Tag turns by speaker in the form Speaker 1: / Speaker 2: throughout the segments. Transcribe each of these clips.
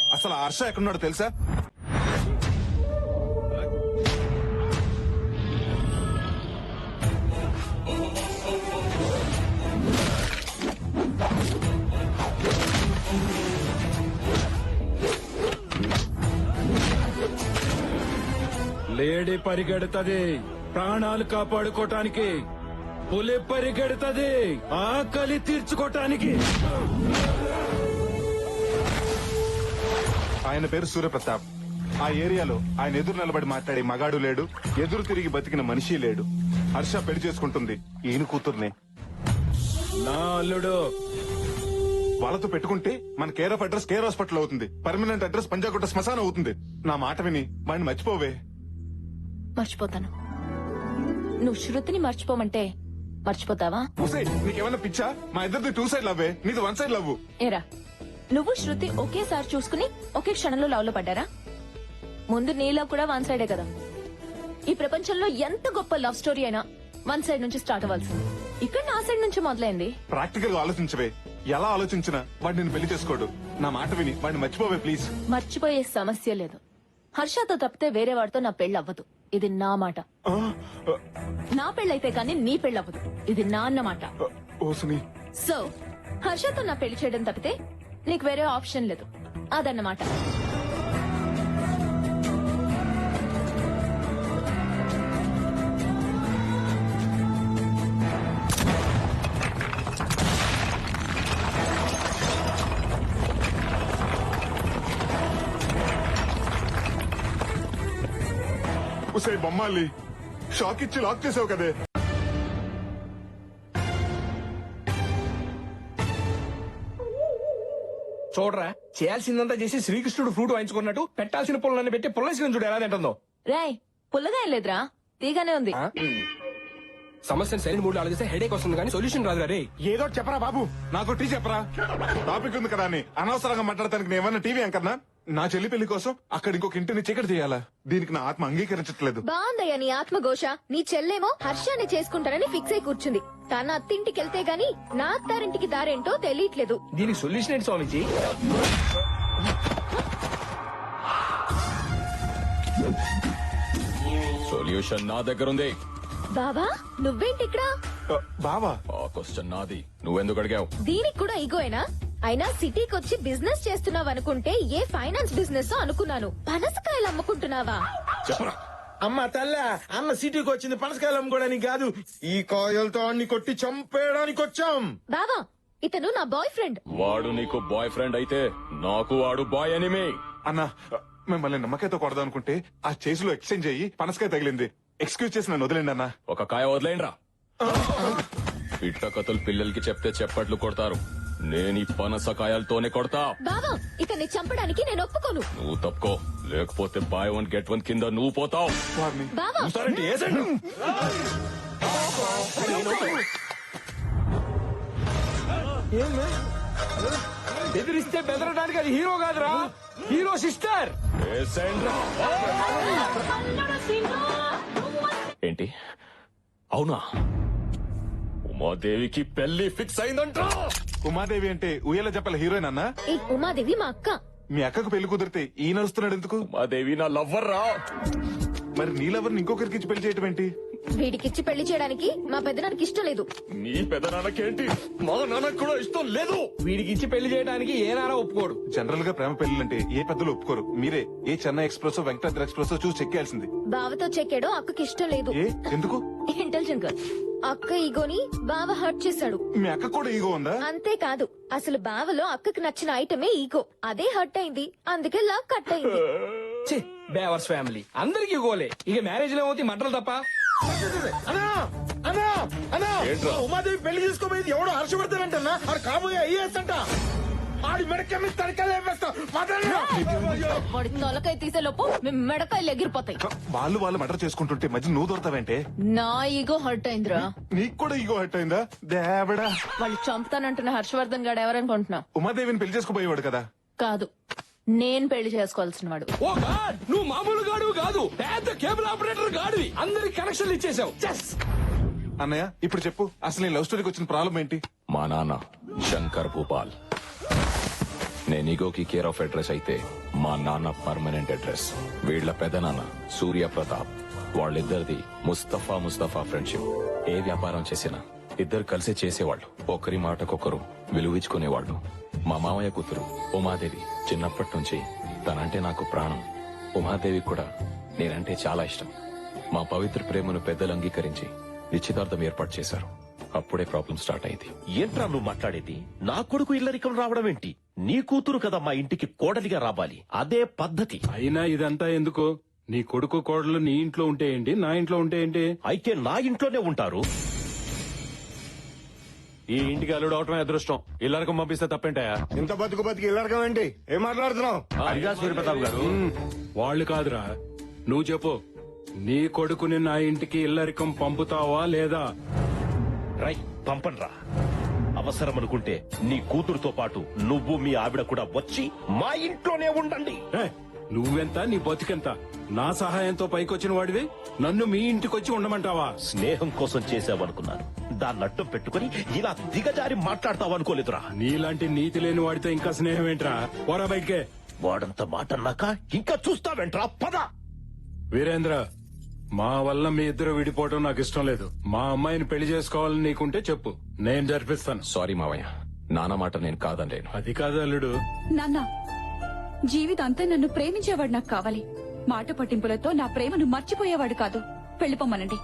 Speaker 1: అసలు ఆ హర్ష ఎక్కడున్నాడో తెలుసా?
Speaker 2: లేడీ పరిగెడుతుంది ప్రాణాలు కాపాడుకోటానికి, పులి పరిగెడుతుంది ఆకలి తీర్చుకోటానికి.
Speaker 1: ఆయన పేరు సూర్యప్రతాప్. ఆ ఏరియాలో ఆయన ఎదురు నిలబడి మాట్లాడే మగాడు లేడు, ఎదురు తిరిగి బతికిన మనిషి లేడు. హర్ష పెళ్లి చేసుకుంటుంది ఈయన కూతుర్నే.
Speaker 2: నా అల్లుడు
Speaker 1: వాళ్ళతో పెట్టుకుంటే మన care of address care hospital అవుతుంది, పర్మనెంట్ అడ్రస్ పంజాగుట్ట శ్మశానం అవుతుంది. నా మాట విని వాడిని మర్చిపోవే.
Speaker 3: మర్చిపోతాను. నువ్వు శృతిని మర్చిపోమంటే మర్చిపోతావా?
Speaker 1: నీకేమన్నా పిచ్చా? మా ఇద్దరిది 2 సైడ్ లవ్వే, నీది 1 సైడ్ లవ్.
Speaker 3: ఏరా, నువ్వు శృతి ఒకేసారి చూసుకుని ఒకే క్షణంలో లవ్ లో పడ్డారా? ముందు నీ లవ్ కూడా 1 సైడే కదా. ఈ ప్రపంచంలో ఎంత గొప్ప లవ్ స్టోరీ అయినా 1 సైడ్ నుంచి స్టార్ట్ అవ్వాల్సింది. ఇక్కడ నా సైడ్ నుంచి మొదలైంది.
Speaker 1: ప్రాక్టికల్ గా ఆలోచించవే. ఎలా ఆలోచించినా వాడు నేను పెళ్లి చేసుకోడు. నా మాట విని వాడిని మర్చిపోవే ప్లీజ్.
Speaker 3: మర్చిపోయే సమస్య లేదు. హర్షతో తప్పితే వేరే వాడితో నా పెళ్లి అవ్వదు. ఇది నా మాట. నా పెళ్ళైతే కానీ నీ పెళ్లి అవ్వదు. ఇది నా అన్నమాట. సో హర్షతో నా పెళ్లి చేయడం తప్పితే నీకు వేరే ఆప్షన్ లేదు. అదన్నమాట.
Speaker 1: ఉసే బొమ్మాలి, షాక్ ఇచ్చి లాక్ చేసావు కదే.
Speaker 4: చూడరా, చేయాల్సిందంతా చేసి శ్రీకృష్ణుడు ఫ్రూట్ వాయించుకున్నట్టు పెట్టాల్సిన పుల్లన్ని పెట్టి పుల్లసిన చూడు ఎలా తింటుందో.
Speaker 3: రాయ్, పుల్లగా ఏం లేదురా, తీగానే ఉంది.
Speaker 4: సమస్యను సరైన మూడు ఆలోచిస్తే హెడేక్ వస్తుంది కానీ సొల్యూషన్ రాదు రే.
Speaker 1: ఏదో చెప్పరా బాబు, నాకు టీ చెప్పరా. టాపిక్ ఉంది కదా అని అనవసరంగా మాట్లాడటానికి నేను ఏమన్నా టీవీ అంకర్నా? నా చెల్లి పెళ్లి కోసం అక్కడ ఇంకొక ఇంటిని చీకటి చేయాలా? దీనికి నా ఆత్మ అంగీకరించట్లేదు.
Speaker 5: బాగుందయ్యా నీ ఆత్మఘోష. నీ చెల్లేమో హర్షాన్ని చేసుకుంటానని ఫిక్స్ అయి కూర్చుంది. తన అత్తింటికి వెళ్తే గాని నా అత్తారింటికి దారేంటో తెలియట్లేదు.
Speaker 4: దీనికి సొల్యూషన్ ఏంటి స్వామిజీ?
Speaker 6: సొల్యూషన్ నా దగ్గర ఉంది.
Speaker 5: బావా, నువ్వేంటి ఇక్కడ?
Speaker 1: బావా,
Speaker 6: ఆ క్వశ్చన్ నాది, నువ్వెందుకు అడిగావు?
Speaker 5: దీనికి కూడా ఈగోయేనా? అయినా సిటీకి వచ్చి బిజినెస్ చేస్తున్నావు అనుకుంటే ఏ ఫైనాన్స్ బిజినెస్ అనుకున్నాను. పనసకాయలు అమ్ముకుంటున్నావా?
Speaker 6: చెప్పరా.
Speaker 4: అమ్మ తల్ల, అన్న సిటీకి వచ్చింది పనసకాయలు అమ్ముకోవడానికి కాదు, ఈ కాయలతో అన్ని కొట్టి చంపేయడానికి వచ్చాం.
Speaker 5: బావా, ఇతను నా బాయ్ ఫ్రెండ్.
Speaker 6: వాడు నీకు బాయ్ ఫ్రెండ్ అయితే నాకు వాడు బాయ్ ఎనిమి.
Speaker 1: అన్నా మిమ్మల్ని నమ్మకాయతో కొడదాం అనుకుంటే ఆ చేసిలో ఎక్స్చేంజ్ అయ్యి పనసకాయ తగిలింది. ఎక్స్క్యూజ్ చేసి నన్ను వదిలేండి అన్నా.
Speaker 6: ఒక కాయ వదిలేండ్రా. పిట్ట కథలు పిల్లలకి చెప్తే చెప్పట్లు కొడతారు, నేను ఈ పనసకాయలతోనే కొడతా.
Speaker 5: బావా, ఇతన్ని చంపడానికి నేను ఒప్పుకోను.
Speaker 6: నువ్వు తప్పుకో, లేకపోతే బాయ్ 1 గెట్ 1 కింద నువ్వు పోతావు.
Speaker 5: బావా,
Speaker 4: బెదిరిస్తే బెదరడానికి అది హీరో కాదురా, హీరో సిస్టర్.
Speaker 6: ఏంటి అవునా? ఉమాదేవికి పెళ్లి ఫిక్స్ అయిందంట.
Speaker 1: ఉమాదేవి అంటే ఉయ్యాల చెప్పల హీరోయిన్ అన్నా?
Speaker 5: ఈ ఉమాదేవి మా అక్క.
Speaker 1: మీ అక్కకు పెళ్లి కుదిరితే ఈ నడుస్తున్నాడు ఎందుకు?
Speaker 6: ఉమాదేవి నా లవ్వర్ రా.
Speaker 1: మరి నీ లవర్ని ఇంకొకరికి ఇచ్చి పెళ్లి చేయటం ఏంటి?
Speaker 5: వీడికిచ్చి పెళ్లి చేయడానికి మా పెద్దనానికి ఇష్టం లేదు.
Speaker 6: నీ పెదనాన్నకేంటి, మా నాన్నకు కూడా ఇష్టం లేదు.
Speaker 4: వీడికి ఇచ్చి పెళ్లి చేయడానికి ఏ నారా ఒప్పుకోడు.
Speaker 1: జనరల్ గా ప్రేమ పెళ్లింటే ఏ పెద్దలు ఒప్పుకోరు. మీరే ఏ చెన్నై ఎక్స్ప్రెస్ వెంకటాద్రి ఎక్స్ప్రెస్ చూసి చెక్కేయాల్సింది.
Speaker 5: బావతో చెక్కాడో అక్కకి ఇష్టం లేదు.
Speaker 1: ఏ ఎందుకు?
Speaker 3: Intelligent girl.
Speaker 5: అక్క ఈగోని బావ హర్ట్ చేశాడు.
Speaker 1: మీ అక్క కూడా ఈగో ఉందా?
Speaker 5: అంతేకాదు, అసలు బావలో అక్కకి నచ్చిన ఐటమే ఈగో. అదే హర్ట్ అయింది, అందుకే లవ్ కట్ అయింది.
Speaker 4: బేవర్స్ ఫ్యామిలీ అందరికి గోలే. ఇక మ్యారేజ్ లో ఏమవుతాయి మంటలు తప్ప. ఉమాదేవి పెళ్లి చేసుకోబోయేది ఎవడో హర్షవర్ధన్ ఆడు కాబోయే ఐఏఎస్ అంట. ఆడి మెడకెమ్మి తడకలు వేస్తా.
Speaker 3: వాడి తొలకాయ తీసే లోపు మీ మెడకాయలు ఎగిరిపోతాయి.
Speaker 1: వాళ్ళు మర్డర్ చేసుకుంటుంటే మధ్య నువ్వు దొరతావేంటే?
Speaker 3: నా ఈగో హర్ట్ అయిందిరా.
Speaker 1: నీకు కూడా ఈగో హర్ట్ అయిందా? దేవడా,
Speaker 3: వాళ్ళు చంపుతానంటున్న హర్షవర్ధన్ గాడు ఎవరనుకుంటున్నావు?
Speaker 1: ఉమాదేవిని పెళ్లి చేసుకోబోయేవాడు కదా.
Speaker 3: కాదు, నేను పెళ్లి చేసుకోవాల్సిన వాడు.
Speaker 4: ఓ గాడ్, నువ్వు మామూలు గాడు కాదు, పెద్ద కేబుల్ ఆపరేటర్ గాడివి. అందరికి కనెక్షన్లు ఇచ్చేసావు.
Speaker 1: అన్నయ్య ఇప్పుడు చెప్పు, అసలు నీ లవ్ స్టోరీకి వచ్చిన ప్రాబ్లం ఏంటి?
Speaker 6: మా నాన్న శంకర్ భూపాల్ నేను ఈగోకి కేర్ ఆఫ్ అడ్రస్ అయితే మా నాన్న పర్మనెంట్ అడ్రస్. వీళ్ల పెదనాన్న సూర్య ప్రతాప్, వాళ్ళిద్దరిది ముస్తఫా ఫ్రెండ్షిప్. ఏ వ్యాపారం చేసినా ఇద్దరు కలిసి చేసేవాళ్ళు. ఒకరి మాటకొకరు విలువించుకునేవాళ్ళు. మా మామయ్య కూతురు ఉమాదేవి చిన్నప్పటి నుంచి తనంటే నాకు ప్రాణం. ఉమాదేవి కూడా నేనంటే చాలా ఇష్టం. మా పవిత్ర ప్రేమను పెద్దలు అంగీకరించి నిశ్చితార్థం ఏర్పాటు చేశారు. అప్పుడే ప్రాబ్లం స్టార్ట్ అయింది.
Speaker 7: ఏంట్రా నువ్వు మాట్లాడేది? నా కొడుకు ఇల్లరికం రావడం ఏంటి? నీ కూతురు కదా మా ఇంటికి కోడలిగా రావాలి, అదే పద్ధతి.
Speaker 2: అయినా ఇదంతా ఎందుకు? నీ కొడుకు కోడలు నీ ఇంట్లో ఉంటే ఏంటి, నా ఇంట్లో ఉంటే ఏంటి?
Speaker 7: అయితే నా ఇంట్లోనే ఉంటారు.
Speaker 8: ఈ ఇంటికి అల్లుడు అవటమే అదృష్టం. ఇల్లరికం పంపిస్తే తప్పేంటాయా?
Speaker 4: ఇంత బతుకు ఇల్లరకం ఏంటి? ఏం మాట్లాడుతున్నావు?
Speaker 8: అడిగా సూర్యప్రతాప్ గారు.
Speaker 2: వాళ్ళు కాదురా, నువ్వు చెప్పు. నీ కొడుకుని నా ఇంటికి ఇల్లరికం పంపుతావా లేదా?
Speaker 7: రై పంపన్రా. అవసరం అనుకుంటే నీ కూతురుతో పాటు నువ్వు మీ ఆవిడ కూడా వచ్చి మా ఇంట్లోనే ఉండండి.
Speaker 2: ఏ, నువ్వెంత, నీ బతికెంత? నా సహాయంతో పైకొచ్చిన వాడివి నన్ను మీ ఇంటికొచ్చి ఉండమంటావా?
Speaker 7: స్నేహం కోసం చేసావనుకున్నాను. దాన్ని అడ్డం పెట్టుకుని ఇలా దిగజారి మాట్లాడతావనుకోలేదురా.
Speaker 2: నీలాంటి నీతి లేని వాడితో ఇంకా స్నేహం ఏంట్రా? పోరా బయటికే.
Speaker 7: వాడంత మాట అన్నాక ఇంకా చూస్తావేంట్రా? పద.
Speaker 2: వీరేంద్ర, మా వల్ల మీ ఇద్దరు విడిపోవడం నాకు ఇష్టం లేదు. మా అమ్మాయిని పెళ్లి చేసుకోవాలని నీకుంటే చెప్పు, నేను జరిపిస్తాను.
Speaker 6: సారీ మావయ్య, నాన్న మాట నేను కాదనలేను.
Speaker 2: అది కాదు అల్లుడు.
Speaker 9: నాన్న, జీవితాంతా నన్ను ప్రేమించేవాడు నాకు కావాలి. మాట పట్టింపులతో నా ప్రేమను మర్చిపోయేవాడు కాదు. వెళ్ళిపోమ్మనండి.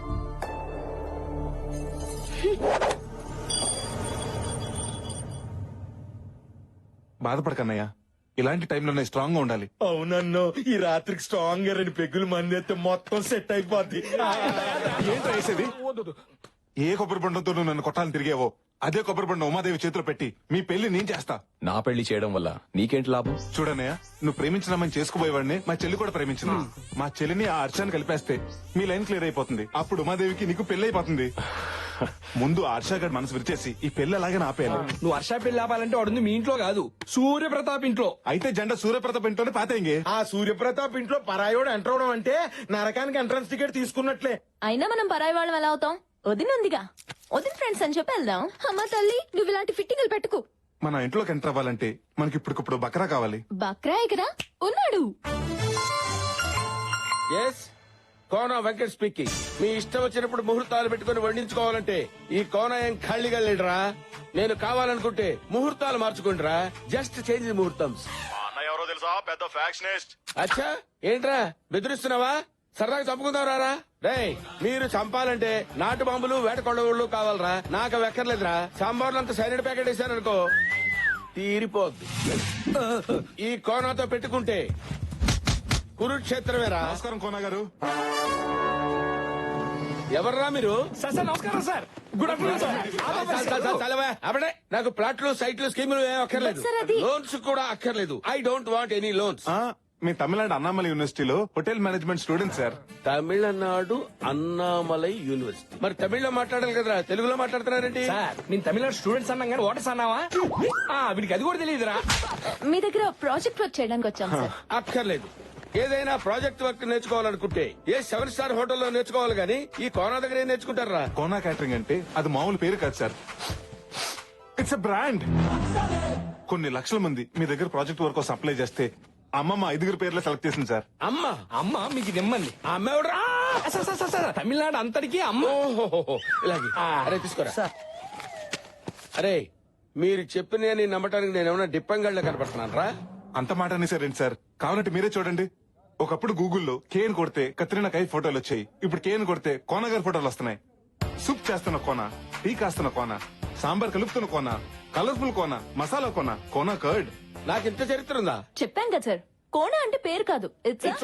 Speaker 1: బాధపడకన్నయ్యా, ఇలాంటి టైంలోనే స్ట్రాంగ్ గా ఉండాలి.
Speaker 4: అవునన్ను ఈ రాత్రికి స్ట్రాంగ్ గా 2 పెగ్గులు మంది అయితే మొత్తం సెట్ అయిపోద్ది.
Speaker 1: ఏంటో వేసేది? ఏ కొబ్బరి బండంతో నువ్వు నన్ను కొట్టాలని తిరిగేవో అదే కొబ్బరి బండం ఉమాదేవి చేతిలో పెట్టి మీ పెళ్లి నేను చేస్తా.
Speaker 6: నా పెళ్లి చేయడం వల్ల నీకేంటి లాభం?
Speaker 1: చూడన్నయ్య, నువ్వు ప్రేమించినామని చేసుకుపోయేవాడిని మా చెల్లి కూడా ప్రేమించిన. మా చెల్లిని ఆ హర్షాన్ని కలిపేస్తే మీ లైన్ క్లియర్ అయిపోతుంది. అప్పుడు ఉమాదేవికి నీకు పెళ్లి అయిపోతుంది. ముందు ఆ హర్షాగడ్ మనసు విరిచేసి ఈ పెళ్లి అలాగే ఆపేయాలి.
Speaker 10: నువ్వు వర్ష పెళ్లి ఆపాలంటే వాడుంది మీ ఇంట్లో కాదు, సూర్యప్రతాప్ ఇంట్లో.
Speaker 1: అయితే జెండా సూర్యప్రతాప్ ఇంట్లోనే పాతేంగే.
Speaker 4: ఆ సూర్యప్రతాప్ ఇంట్లో పరాయోడు ఎంటర్ అవడం అంటే నరకానికి ఎంట్రన్స్ టికెట్ తీసుకున్నట్లే.
Speaker 3: అయినా మనం పరాయి వాళ్ళం ఎలా అవుతాం? వదినుందిగా, వదిన ఫ్రెండ్స్ అని చెప్పి వెళ్దాం.
Speaker 5: అమ్మ తల్లి, నువ్వు ఇలాంటి ఫిట్టింగ్లు పెట్టుకు.
Speaker 1: మన ఇంట్లోకి ఎంటర్ అవ్వాలంటే మనకి ఇప్పటికిప్పుడు బకరా కావాలి.
Speaker 5: బక్రా ఎగరా ఉన్నాడు.
Speaker 10: Yes, Kona Venkat speaking. మీ ఇష్టం వచ్చినప్పుడు ముహూర్తాలు పెట్టుకుని వండించుకోవాలంటే ఈ కోన ఏం ఖాళీగా లేడురా. నేను కావాలనుకుంటే ముహూర్తాలు మార్చుకుంటారా. జస్ట్ చేంజ్ ముహూర్తం.
Speaker 8: ఎవరో తెలుసా? పెద్ద ఫ్యాక్షనిస్ట్.
Speaker 10: అచ్చా, ఏంట్రా బెదిరిస్తున్నావా? సరదాగా చంపుకుందాం రారా. రేయ్, మీరు చంపాలంటే నాటు బాంబులు వేట కొడవుళ్ళు కావాలరా. నాకు అవి ఎక్కర్లేదురా. సాంబార్లు అంత సైనిడ్ ప్యాకెట్ వేసారనుకో తీరిపోద్ది. ఈ కోనాతో పెట్టుకుంటే కురుక్షేత్రమేరా.
Speaker 1: నమస్కారం కోన గారు.
Speaker 10: ఎవర్రా మీరు?
Speaker 2: నమస్కారం సార్. Good afternoon sir.
Speaker 10: చలవా అప్పుడే. నాకు ప్లాట్లు, సైట్లు, స్కీములు ఏం అక్కర్లేదు.
Speaker 3: సార్, అది-
Speaker 10: లోన్స్ కూడా అక్కర్లేదు. I don't want any loans.
Speaker 1: మీ తమిళనాడు అన్నామలై యూనివర్సిటీలో hotel management student sir.
Speaker 10: Tamil Nadu Annamalai university. మరి తమిళ్లో మాట్లాడాలి కదరా, తెలుగులో మాట్లాడుతున్నారేంటి?
Speaker 11: సార్, నేను తమిళనాడు స్టూడెంట్స్ అన్నాం కానీ ఓటర్స్ అన్నావా? వీడికి అది కూడా తెలియదురా.
Speaker 3: మీ దగ్గర ప్రాజెక్ట్ వర్క్ చేయడానికి వచ్చాం సార్.
Speaker 10: అక్కర్లేదు. ఏదైనా ప్రాజెక్ట్ వర్క్ నేర్చుకోవాలనుకుంటే ఏ 7 స్టార్ హోటల్లో నేర్చుకోవాలి గానీ ఈ కోనా దగ్గర ఏం నేర్చుకుంటారా?
Speaker 1: కోనా క్యాటరింగ్ అంటే అది మామూలు పేరు కాదు సార్, ఇట్స్ ఎ బ్రాండ్. కొన్ని లక్షల మంది మీ దగ్గర ప్రాజెక్ట్ వర్క్ కోసం అప్లై చేస్తే అమ్మమ్మ 5 పేర్లు సెలెక్ట్ చేసింది సార్.
Speaker 10: అమ్మ
Speaker 11: మీకు నిమ్మంది.
Speaker 10: ఆ అమ్మ ఎవడరా?
Speaker 11: సార్, తమిళనాడు అంతటికి అమ్మ.
Speaker 10: ఓహో, ఇలాగే. అరే తీసుకోరా. అరే, మీరు చెప్పిన నమ్మటానికి నేను ఏమైనా డిప్పంగళ్ళ కనపడుతున్నాను రా.
Speaker 1: అంత మాట అనేసారేంటి సార్? కావాలంటే మీరే చూడండి. ఒకప్పుడు గూగుల్లో కేన్ కొడితే కత్రినా కైఫ్ ఫోటోలు వచ్చాయి. ఇప్పుడు కేన్ కొడితే కోన గారి ఫోటోలు వస్తున్నాయి. సూప్ చేస్తున్న కోన, టీ కాస్తున్న కోన, సాంబార్ కలుపుతున్న కోన, కలర్ఫుల్ కోన, మసాలా కోన, కోన కర్డ్.
Speaker 10: నాకు ఇంత చరిత్ర ఉందా?
Speaker 3: చెప్పాం కదా సార్, కోణ అంటే పేరు కాదు, ఇట్స్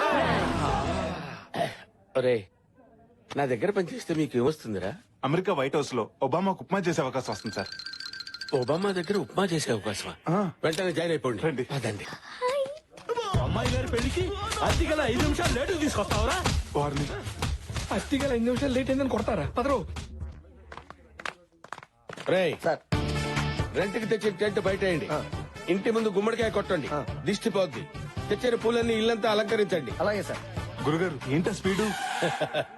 Speaker 10: ఒరే, నా దగ్గర పనిచేస్తే మీకు ఏమొస్తుందిరా?
Speaker 1: అమెరికా వైట్ హౌస్ లో ఒబామాకు ఉప్మా చేసే అవకాశం వస్తుంది సార్.
Speaker 10: ఒబామా దగ్గర ఉప్మా చేసే అవకాశమా? వెంటనే జాయిన్ అయిపోండి.
Speaker 1: రండి.
Speaker 10: అదండి.
Speaker 11: అమ్మాయి గారి పెళ్లికి అతి గల 5 నిమిషాలు లేటు తీసుకొస్తావరా?
Speaker 1: వారిని
Speaker 11: అతి గల 5 నిమిషాలు లేట్ అయిందని కొడతారా? పదరు.
Speaker 10: రేయ్, రెంట్కి తెచ్చిన టెంట్ బయటేయండి. ఇంటి ముందు గుమ్మడికాయ కొట్టండి, దిష్టి పోద్ది. తెచ్చిన పూలన్నీ ఇల్లంతా అలంకరించండి.
Speaker 11: అలాగే సార్.
Speaker 1: గురుగారు ఏంటా స్పీడు?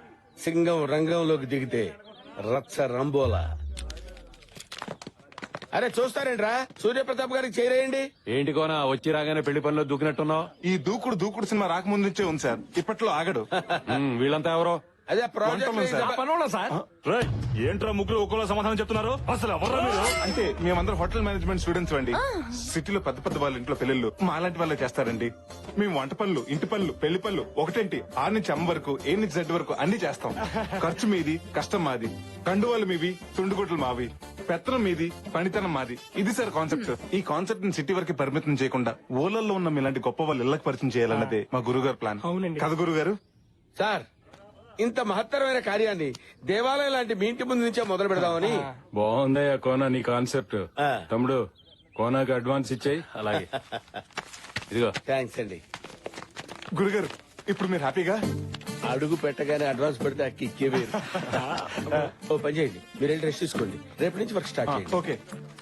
Speaker 10: సింగం రంగంలోకి దిగితే రచ్చ రంబోలా. అరే చూస్తారేంట్రా సూర్యప్రతాప్ గారికి చేరేయండి.
Speaker 8: ఏంటి కోనా వచ్చి రాగానే పెళ్లి పనిలో దూకినట్టున్నావు?
Speaker 1: ఈ దూకుడు సినిమా రాకముందు నుంచే ఉంది సార్. ఇప్పట్లో ఆగడు.
Speaker 8: వీళ్ళంతా ఎవరో?
Speaker 10: అదే
Speaker 1: వంటలు సార్.
Speaker 10: ప్రాజెక్ట్
Speaker 11: సార్ ఏంట్రా ముగ్గురు ఒక్కలో సమాధానం చెప్తున్నారు? అసలు ఎవరా మీరు?
Speaker 1: అంటే మేమందరం హోటల్ మేనేజ్మెంట్ స్టూడెంట్స్ అండి. సిటీలో పెద్ద పెద్ద వాళ్ళ ఇంట్లో పెళ్లిళ్ళు మాలాంటి వాళ్ళే చేస్తారండి. మేము వంట పనులు, ఇంటి పనులు, పెళ్లి పనులు ఒకటేంటి 6 నుంచి M వరకు, A నుంచి Z వరకు అన్ని చేస్తాం. ఖర్చు మీది, కష్టం మాది. కండువాలు మీవి, తుండుగుట్లు మావి. పెత్తనం మీది, పనితనం మాది. ఇది సార్ కాన్సెప్ట్. ఈ కాన్సెప్ట్ ని సిటీ వరకు పరిమితం చేయకుండా ఊళ్ళల్లో ఉన్న మీలాంటి గొప్ప వాళ్ళు ఇళ్లకు పరిచయం చేయాలన్నదే మా గురుగారు ప్లాన్. కదా గురుగారు?
Speaker 10: సార్ ఇంత మహత్తరమైన కార్యాన్ని దేవాలయం లాంటి మీ ఇంటి ముందు నుంచే మొదలు పెడదామని.
Speaker 2: బాగుందయ్యా కోనా నీ కాన్సెప్ట్.
Speaker 10: ఆ.
Speaker 2: తమ్ముడు కోనాకి అడ్వాన్స్ ఇచ్చేయి. అలాగే ఇదిగో.
Speaker 10: థ్యాంక్స్ అండి.
Speaker 1: గురుగారు ఇప్పుడు మీరు హ్యాపీగా?
Speaker 10: అడుగు పెట్టగానే అడ్వాన్స్ పెడితే అక్కి ఇచ్చే వేరు. ఓ పని చేయండి, మీరు వెళ్ళి రెస్ట్ తీసుకోండి. రేపు నుంచి వర్క్ స్టార్ట్ చేయండి.
Speaker 1: ఓకే.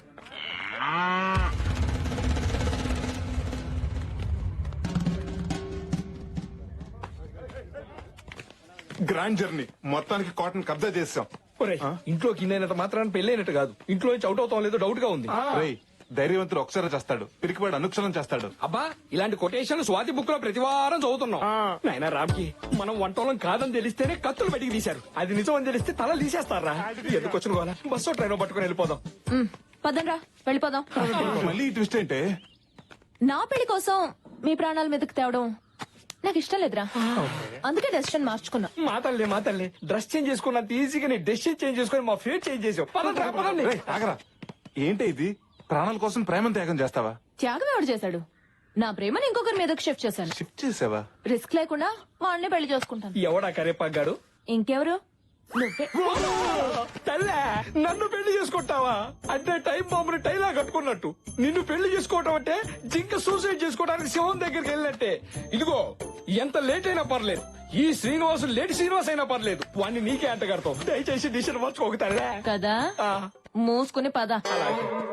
Speaker 1: గ్రాండ్ జర్నీ మొత్తానికి కాటన్ కబ్జా చేసాం.
Speaker 11: ఇంట్లోకి ఇన్నైనంత మాత్రాన్ని పెళ్ళైనట్టు కాదు. ఇంట్లో నుంచి అవుట్ అవుతాం లేదో డౌట్ గా ఉంది.
Speaker 1: రేయ్, ధైర్యవంతుడు ఒకసారి చేస్తాడు, పిరికివాడు అనుక్షణం చేస్తాడు.
Speaker 11: అబ్బా ఇలాంటి కొటేషన్ స్వాతి బుక్ లో ప్రతి వారం చదువుతున్నాం. నాయనా రామ్కి మనం వంటోళం కాదని తెలిస్తేనే కత్తులు బయటికి తీశారు. అది నిజం అని తెలిస్తే తల తీసేస్తారా? ఎందుకు వచ్చిన గోలా? బస్సు ట్రైన్ పట్టుకుని వెళ్ళిపోదాం.
Speaker 3: పదండ్రా వెళ్ళిపోదాం.
Speaker 1: మళ్ళీ ఈ ట్విస్ట్ ఏంటే?
Speaker 3: నా పెళ్లి కోసం మీ ప్రాణాల మీదకి తేవడం నాకు ఇష్టం లేదురా. అందుకే డెసిషన్ మార్చుకున్నా.
Speaker 11: మా తల్లి డ్రెస్ చేంజ్ చేసుకున్నంత ఈజీగా నీ డెసిషన్ చేంజ్ చేసుకుని మా ఫేట్ చేంజ్ చేసావు. పదండి.
Speaker 1: రేయ్, ఆగరా. ఏంటి ఇది? ప్రాణాల కోసం ప్రేమను త్యాగం చేస్తావా?
Speaker 3: త్యాగం ఎవడు చేశాడు? నా ప్రేమను ఇంకొకరి మీదకి షిఫ్ట్ చేశాను.
Speaker 1: షిఫ్ట్ చేసావా?
Speaker 3: రిస్క్ లేకుండా వాడిని పెళ్లి చేసుకుంటాను.
Speaker 11: ఎవడా కరేపాగాడు?
Speaker 3: ఇంకెవరు? నువ్వే.
Speaker 11: తల్లే నన్ను పెళ్లి చేసుకుంటావా? అంటే టైం బాంబుని టైలా కట్టుకున్నట్టు నిన్ను పెళ్లి చేసుకోవటం అంటే జింక సూసైడ్ చేసుకోవడానికి శివం దగ్గరికి వెళ్ళినట్టే. ఇదిగో ఎంత లేట్ అయినా పర్లేదు, ఈ శ్రీనివాసు లేట్ శ్రీనివాస్ అయినా పర్లేదు, వాణ్ణి నీకే అంట కడతావు. దయచేసి డిసిషన్ మార్చుకోక తల్లే.
Speaker 3: కదా మూసుకుని పద.